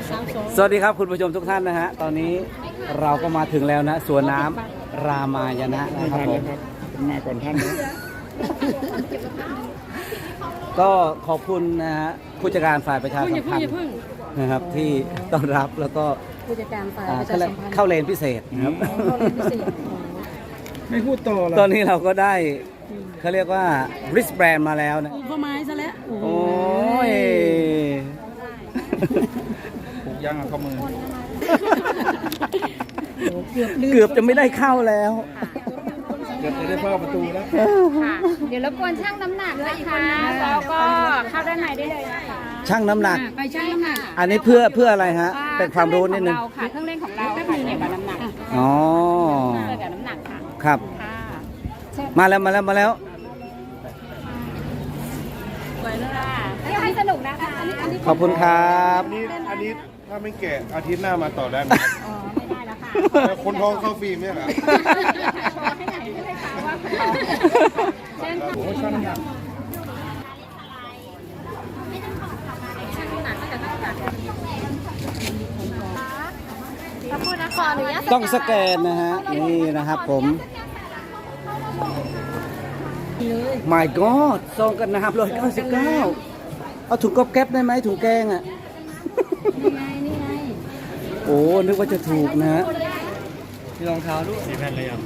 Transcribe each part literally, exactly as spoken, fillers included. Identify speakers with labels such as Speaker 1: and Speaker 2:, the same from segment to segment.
Speaker 1: สวัสดีครับคุณผู้ชมทุกท่านนะฮะตอนนี้เราก็มาถึงแล้วนะสวนน้ำรามายณะนะครับผม
Speaker 2: มาก่อนท่านนะ
Speaker 1: ก็ขอบคุณนะฮะผู้จัดการฝ่ายประชาสัมพันธ์นะครับที่ต้อนรับแล้วก็
Speaker 3: ผู้จัดการฝ่ายประชาสัมพันธ์
Speaker 1: เข้าเลนพิเศษนะครับ
Speaker 2: ไม่พูดต่อเลย
Speaker 1: ตอนนี้เราก็ได้เขาเรียกว่า wristband มาแล้วนะ
Speaker 3: ข้อไม้ซะแล้ว
Speaker 1: โอ้ย
Speaker 2: ผูกย่างเข้ามือ
Speaker 1: เกือบจะไม่ได้เข้าแล้ว
Speaker 2: เกือบจะได้เข้าประตูแล้ว
Speaker 4: ค่ะเดี๋ยวรบกวนชั่งน้ำหนักนะคะแล้วก็เข้าด้านในได้เลยนะคะ
Speaker 1: ชั่งน้ำหนัก
Speaker 3: ไปชั่งน้ำหนัก
Speaker 1: อันนี้เพื่อเพื่ออะไรฮะเป็นความรู้นิดนึง
Speaker 4: ค่ะเครื่องเล่นของเราค่ะเกี่ยวกับน้ำหนัก
Speaker 1: อ๋อ
Speaker 4: เกี่ยวกับน้ำหนักค่ะ
Speaker 1: ครับมาแล้วมาแล้วมาแล้ว
Speaker 4: สวยเลยค่ะให้สนุกนะคะ
Speaker 1: ขอบคุณครับ
Speaker 2: อันนี้อันนี้ถ้าไม่แก่อาทิตย์หน้ามาต่อได้ไหม
Speaker 4: อ๋อไม่ได้แล้วค่ะ
Speaker 2: คนท้องเข้าฟิล์มเนี่ยเหรอ
Speaker 4: ให้หนักให้เลยค่ะว่าเช่นค่ะ
Speaker 2: โอ้ชั่งน้ำหนัก
Speaker 4: ขอบคุณนะขออนุญาต
Speaker 1: ต้องสแกนนะฮะนี่นะครับผม My God ซองกันนะครับร้อยเก้าสิบเก้าเอาถุงก๊อบแก๊บได้ไหมถุงแกงอ่ะ
Speaker 3: นี่ไงนี่ไง
Speaker 1: โอ้นึกว่าจะถูกนะฮะ
Speaker 2: มีรองเท้าด้วยสีแผ่นเลยอ่ะ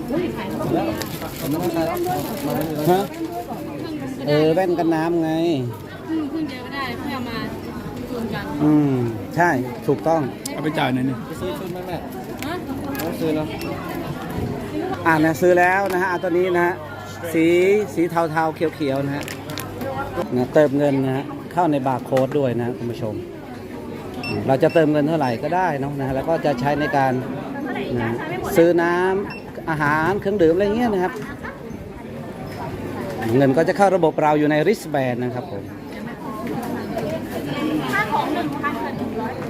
Speaker 1: ฮะเออแว่นกันน้ำไง
Speaker 3: ขึ้นเจอก็ได้เพื่อมาชวนกัน
Speaker 1: อืมใช่ถูกต้อง
Speaker 2: เอาไปจ่ายหน่อยนี่
Speaker 1: ซื้อชุดไหมแม่ซื้อแล้วอ่านะซื้อแล้วนะฮะตัวนี้นะฮะสีสีเทาๆเขียวๆนะฮะนะเติมเงินนะฮะเข้าในบาร์โค้ดด้วยนะคุณผู้ชมเราจะเติมเงินเท่าไหร่ก็ได้นะนะแล้วก็จะใช้ในการนะซื้อน้ำอาหารเครื่องดื่มอะไรเงี้ยนะครับเงินก็จะเข้าระบบเราอยู่ใน wristband นะครับผม
Speaker 4: ค่าของหนึ่งพันหนึ่งร้อย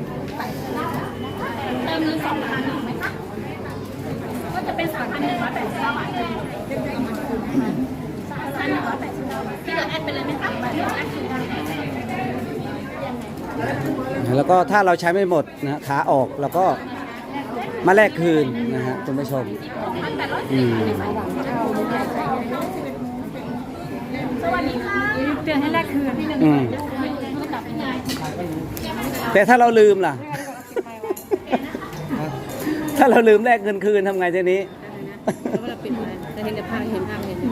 Speaker 4: เติมเงินสองพันไหมคะก็จะเป็นสามพันหนึ่งร้อยแปดสิบเก้าบาทที่เหลือแอดไปเลยไหมคะ
Speaker 1: แล้วก็ถ้าเราใช้ไม่หมดนะขาออกแล้วก็มาแลกคืนนะฮะคุณผู้ชมอืม
Speaker 4: สวัสดีค่ะ
Speaker 3: เตือนให้แลกคืน
Speaker 1: อืมแต่ถ้าเราลืมล่ะ ถ้าเราลืมแลกเงินคืนทำไงทีนี้
Speaker 3: แล้วเราปิดไว้แต่เห็นแต่ภาพเห็นภาพเห็น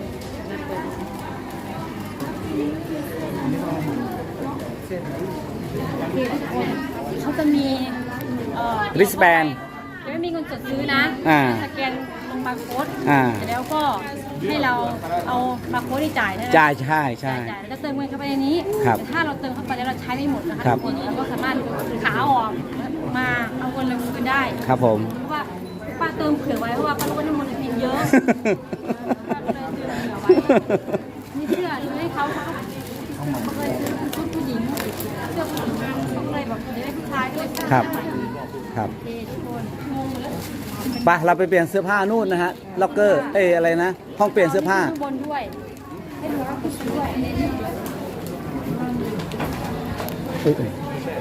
Speaker 4: เขาจะมี
Speaker 1: ริสแบน
Speaker 4: จะไม่มีเงินสดซื้อนะสแกนลงบาร์โค้ดแล้วก็ให้เราเอาบาร์โค้ดที่จ่ายใช่ไหม
Speaker 1: จ่ายใช่ใช่
Speaker 4: แล้วเติมเงินเข้าไปในนี้แต่ถ้าเราเติมเข้าไปแล้วเราใช้ไม่หมดนะคะทุกคนเราก็สามารถขาออกมาเอาเงินลงคืนได้
Speaker 1: ครับผม
Speaker 4: เพราะว่าป้าเติมเผื่อไว้เพราะว่าป้ารู้ว่าน้ำมันเพียงเยอะป้าก็เลยเติมเผื่อไว้นี่เสื้อให้เขาเขาเคยซื้อชุดผู้หญิงเสื้อผู้หญิงเขาเลยแบบจะได้ผู้ชายด้วย
Speaker 1: ครับครับไปเราไปเปลี่ยนเสื้อผ้านู่นนะฮะล็อกเกอร์เออะไรนะห้องเปลี่ยนเสื้อผ้า
Speaker 4: ข้างบนด้วยให้ดูว่าผู้ชายด้วย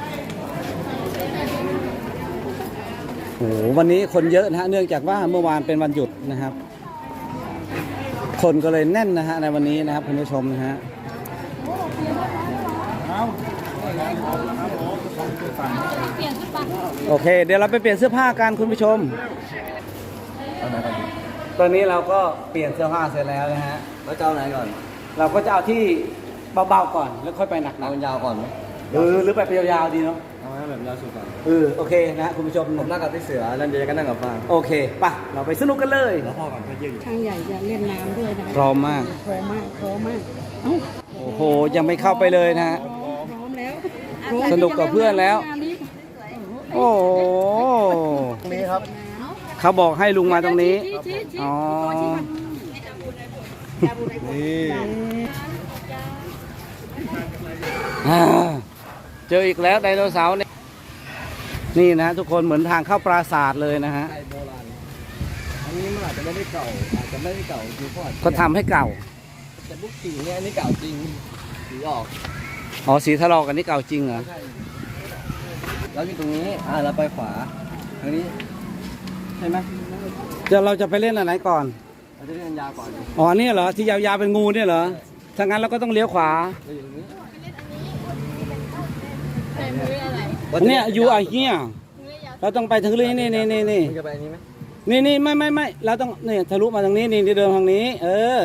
Speaker 1: โอ้โหวันนี้คนเยอะนะฮะเนื่องจากว่าเมื่อวานเป็นวันหยุดนะครับคนก็เลยแน่นนะฮะในวันนี้นะครับคุณผู้ชมนะฮะโอเคเดี๋ยวเราไปเปลี่ยนเสื้อผ้ากันคุณผู้ชมตอนนี้เราก็เปลี่ยนเสื้อผ้าเสร็จแล้วนะฮะ
Speaker 5: เราจะเอาไหนก่อน
Speaker 1: เราก็จะเอาที่เบาๆก่อนแล้วค่อยไปหนักๆ
Speaker 5: เอายาวก่อนไหม
Speaker 1: เออหรือไปยาวๆดีเนาะ
Speaker 5: เอาแบบยาวสุดก่อน
Speaker 1: เออโอเคนะคุณผู้ชม
Speaker 5: ผมนั่งกับที่เสือแล้วเดี๋ยวก็นั่งกับฟาง
Speaker 1: โอเคป่ะเราไปสนุกกันเลย
Speaker 5: แล้วพ่อก่อนพ่อยืน
Speaker 3: ช่างใหญ่จะเล่นน้ำด้วยนะ
Speaker 1: พร้อมมาก
Speaker 3: พร้อมมากพร้อมมาก
Speaker 1: โอ้โหยังไม่เข้าไปเลยนะฮะ
Speaker 3: พร้อมแล้ว
Speaker 1: สนุกกับเพื่อนแล้วโอ้โห
Speaker 5: ตรงนี้ครับ
Speaker 1: เขาบอกให้ลุงมาตรงนี้อ๋อนี่เจออีกแล้วไดโนเสาร์เนี่ยนี่นะทุกคนเหมือนทางเข้าปราสาทเลยนะฮะ
Speaker 5: อันนี้มันอาจจะไม่ได้เก่าอาจจะไม่ได้เก่าจริงเพราะ
Speaker 1: ก็ทำให้เก่า
Speaker 5: แต่พวกสีเนี่ยอันนี้เก่าจริงสีออก
Speaker 1: อ๋อสีทะลอกอันนี้เก่าจริงเหรอ
Speaker 5: เราอยู่ตรงนี้อ่าเราไปขวาทางนี้ใช่ไหม
Speaker 1: เดี๋ยวเราจะไปเล่นอันไหนก่อน
Speaker 5: เราจะเล่นยาวก่อนดิ
Speaker 1: อ๋อเนี่ยเหรอที่ยาวๆเป็นงูเนี่ยเหรอถ้างั้นเราก็ต้องเลี้ยวขวา
Speaker 5: เราอยู่ตรงนี้
Speaker 3: ใส่มืออะไร
Speaker 1: เนี่ยอยู่ไอ้เหี้ยเราต้องไปถึงเรื่องนี่นี่นี่นี่
Speaker 5: มึงจะไปอันนี้ไหม
Speaker 1: นี่นี่ไม่ไม่ไม่เราต้องเนี่ยทะลุมาทางนี้นี่ที่เดินทางนี้ เออ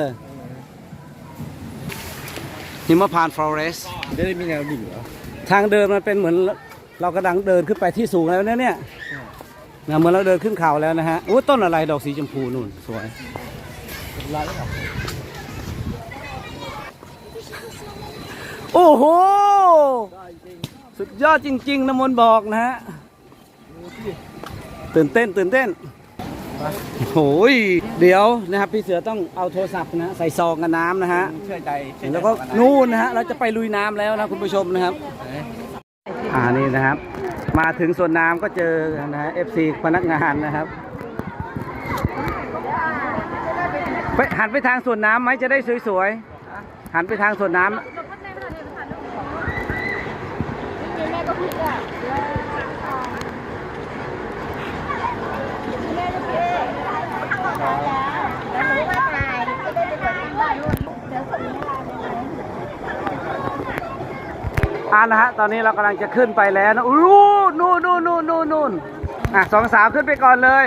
Speaker 1: หิมพานต์ฟลอเรส
Speaker 5: จะได้มีแนวดิ่งเหรอ
Speaker 1: ทางเดินมันเป็นเหมือนเรากำลังเดินขึ้นไปที่สูงแล้วเนี่ยเนี่ยนะเหมือนเราเดินขึ้นเขาแล้วนะฮะโอ้ต้นอะไรดอกสีชมพูนู่นสวย
Speaker 5: ลายแล้วเหรอ
Speaker 1: โอ้โหสุดยอดจริงๆน้ำมนต์บอกนะฮะตื่นเต้นตื่นเต้นโอ้ยเดี๋ยวนะครับพี่เสือต้องเอาโทรศัพท์นะใส่ซองกับน้ำนะฮะ
Speaker 5: เชื่อใจเชื่อใจ
Speaker 1: แล้วก็นู่นนะฮะเราจะไปลุยน้ำแล้วนะคุณผู้ชมนะครับอ่านี่นะครับ มาถึงสวนน้ำก็เจอนะฮะ เอฟ ซี พนักงานนะครับไปหันไปทางสวนน้ำไหมจะได้สวยๆหันไปทางสวนน้ำ อ่านะฮะตอนนี้เรากำลังจะขึ้นไปแล้วนะอู้นู่นนู่นนู่นนู่นนู่นอ่ะสองสาวขึ้นไปก่อนเลย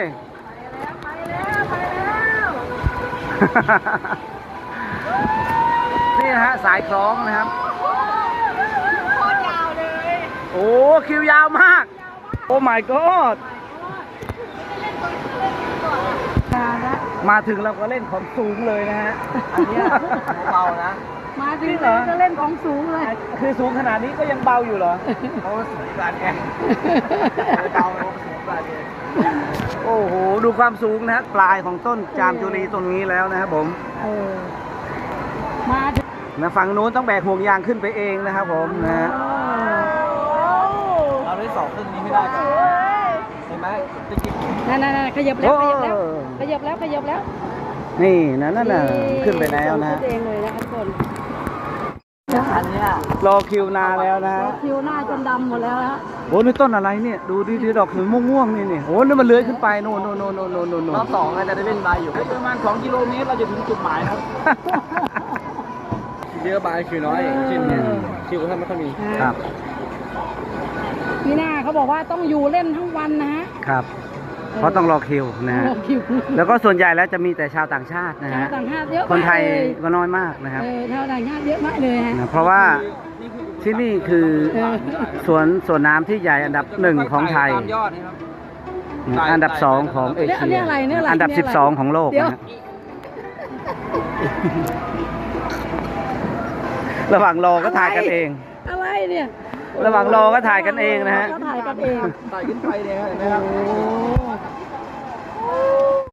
Speaker 1: นี่นะฮะสายคล้องนะครับโคตรยาวเลยโอ้คิวยาวมากโอ้ my god มาถึงเราก็เล่นของสูงเลยนะฮะ
Speaker 5: อันเนี้ยเบานะ
Speaker 4: มาถึงก็เล่นของสูงเลย
Speaker 1: คือสูงขนาดนี้ก็ยังเบาอยู่เหรอ
Speaker 5: เขาสูงกว่าแกเบาเขาสูงกว่าแก
Speaker 1: โอ้โห ดูความสูงนะฮะปลายของต้นจามจุรีต้นนี้แล้วนะครับผม
Speaker 4: เออมาถึง
Speaker 1: นะฝั่งนู้นต้องแบกห่วงยางขึ้นไปเองนะครับผมนะฮะ
Speaker 5: เราได้สองครึ่งนี้ไม่ได้ก่อนเห็นไหมจะกิน
Speaker 4: นั่นนั่นขยับแล้วขยับแล้วขยับแล้วขยับแล้ว
Speaker 1: นี่นะนั่นน่ะขึ้นไปแล้วนะฮะ
Speaker 4: ขึ้นเองเลยนะครับทุกคน
Speaker 5: อันเนี้ย
Speaker 1: รอคิวนานแล้วนะฮะ
Speaker 4: คิวหน้าจนดำหมดแล้วฮะ
Speaker 1: โอ้นี่ต้นอะไรเนี่ยดูดิที่ดอกสีม่วงๆนี่นี่โอ้นี่มันเลื้อยขึ้นไปโน่นโน่นโน่นโน่นโน่นโน่นโน่
Speaker 5: รอน บสองอาจจะได้เล่นบายอยู่
Speaker 1: ประมาณสองกิโลเมตรเราจะถึงจุดหมายครับ
Speaker 5: เยอะบายคือน้อยอย่างเช่นเนี่ยคิวเขาไม่ค่อยมี
Speaker 1: ครับ
Speaker 4: นี่หน้าเขาบอกว่าต้องอยู่เล่นทั้งวันนะฮะ
Speaker 1: ครับ เพราะต้องรอคิวนะฮะ
Speaker 4: รอคิว
Speaker 1: แล้วก็ส่วนใหญ่แล้วจะมีแต่ชาวต่างชาตินะ
Speaker 4: ชาว
Speaker 1: ฮะ
Speaker 4: ต่างชาติเยอะ
Speaker 1: คนไทย
Speaker 4: มากเลย
Speaker 1: ก็น้อยมากนะครับ
Speaker 4: เออชาวต่างชาติเยอะมากเลยฮะ
Speaker 1: นะเพราะว่าที่นี่คือสวนสวนน้ำที่ใหญ่อันดับหนึ่งของไทย
Speaker 5: ตามยอดนะครับ
Speaker 1: นะอันดับสองของเอ
Speaker 4: เนี่ย
Speaker 1: เชี
Speaker 4: เนี่ย
Speaker 1: ย
Speaker 4: อะไรเนี่ยอะไร
Speaker 1: อันดับ
Speaker 4: เนี่
Speaker 1: สิ
Speaker 4: ย
Speaker 1: บ
Speaker 4: อะไร
Speaker 1: สองของโลก
Speaker 4: เดี๋ยว
Speaker 1: นะฮะระหว่างรอก็ถ่ายกันเอง
Speaker 4: อะไรเนี่ย
Speaker 1: ระหว่างรอก็ถ่ายกันเองนะฮะ
Speaker 4: ก็ถ่ายกันเอง
Speaker 5: ไต่ขึ้นไปเนี่ยเห็นไหมครับ
Speaker 4: โอ้